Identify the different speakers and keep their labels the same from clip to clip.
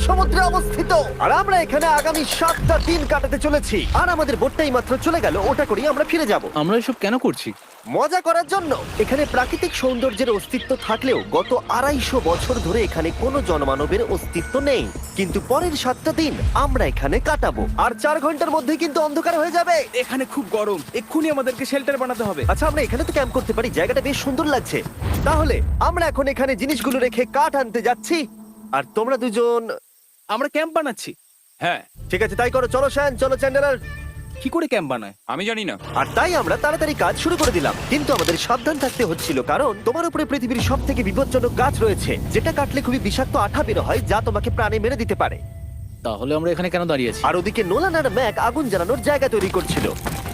Speaker 1: সমুদ্রে অবস্থিত। আর আমরা এখানে আগামী 7টা দিন কাটাতে চলেছি। আর আমাদের বোটটাই মাত্র চলে গেল, ওটা করেই আমরা ফিরে যাব
Speaker 2: আমরা এসব কেন করছি?
Speaker 1: মজা করার জন্য। এখানে প্রাকৃতিক সৌন্দর্যের অস্তিত্ব থাকলেও গত 250 বছর ধরে এখানে কোনো জনমানবের অস্তিত্ব নেই। কিন্তু পরের 7টা দিন আমরা এখানে কাটাবো, আর 4 ঘন্টার মধ্যে কিন্তু অন্ধকার হয়ে যাবে।
Speaker 3: এখানে খুব গরম, এক্ষুনি আমাদেরকে শেল্টার বানাতে হবে।
Speaker 1: আচ্ছা, আমরা এখানে তো ক্যাম্প করতে পারি, জায়গাটা বেশ সুন্দর লাগছে। তাহলে আমরা এখন এখানে জিনিসগুলো রেখে কাঠ আনতে যাচ্ছি, আর তোমরা দুজন।
Speaker 3: আমরা ক্যাম্প বানাচ্ছি।
Speaker 4: হ্যাঁ,
Speaker 1: ঠিক আছে, তাই করো। চলো শ্যান, চলো চ্যান্ডেলার।
Speaker 3: কি করে ক্যাম্প বানায়?
Speaker 4: আমি জানি না।
Speaker 1: আর তাই আমরা তাড়াতাড়ি কাজ শুরু করে দিলাম, কিন্তু আমাদের সাবধান থাকতে হচ্ছিল, কারণ তোমার উপরে পৃথিবীর সব থেকে বিপজ্জনক গাছ রয়েছে, যেটা কাটলে খুবই বিষাক্ত আঠা বের হয়, যা তোমাকে প্রাণে মেরে দিতে পারে।
Speaker 2: তাহলে আমরা এখানে কেন দাঁড়িয়ে আছি?
Speaker 1: আর ওদিকে নোলান আর ম্যাক আগুন জ্বালানোর জায়গা তৈরি করছিল।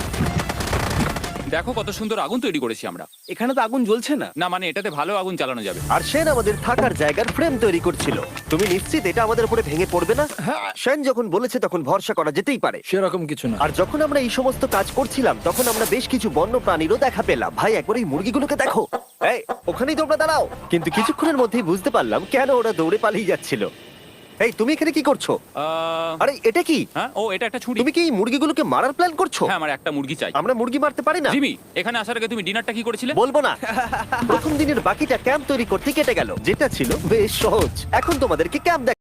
Speaker 4: দেখো কত সুন্দর আগুন তৈরি করেছি আমরা।
Speaker 3: এখানে তো আগুন জ্বলছে না।
Speaker 4: না মানে এটাতে ভালো আগুন চালানো যাবে।
Speaker 1: আর সেন আমাদের থাকার জায়গার ফ্রেম তৈরি করছিল। তুমি নিশ্চিত এটা আমাদের উপরে ভেঙে পড়বে না? সেন যখন বলেছে তখন ভরসা করা যেতেই পারে।
Speaker 2: সেরকম কিছু না।
Speaker 1: আর যখন আমরা এই সমস্ত কাজ করছিলাম, তখন আমরা বেশ কিছু বন্য প্রাণীরও দেখা পেলাম। ভাই, একবার এই মুরগিগুলোকে দেখো। এই, ওখানেই তোমরা দাঁড়াও। কিন্তু কিছুক্ষণের মধ্যেই বুঝতে পারলাম কেন ওরা দৌড়ে পালিয়ে যাচ্ছিল। এই, তুমি এখানে কি করছো? আরে এটা কি?
Speaker 4: হ্যাঁ, ও এটা একটা ছুরি।
Speaker 1: তুমি কি এই মুরগিগুলোকে মারার প্ল্যান করছো?
Speaker 4: হ্যাঁ, আমার একটা মুরগি চাই।
Speaker 1: আমরা মুরগি মারতে পারি না।
Speaker 4: জিমি, এখানে আসার আগে তুমি ডিনারটা কি করেছিলে?
Speaker 1: বলবো না। প্রথম দিনের বাকিটা ক্যাম্প তৈরি করতে কেটে গেল, যেটা ছিল বেশ সহজ। এখন তোমাদেরকে ক্যাম্প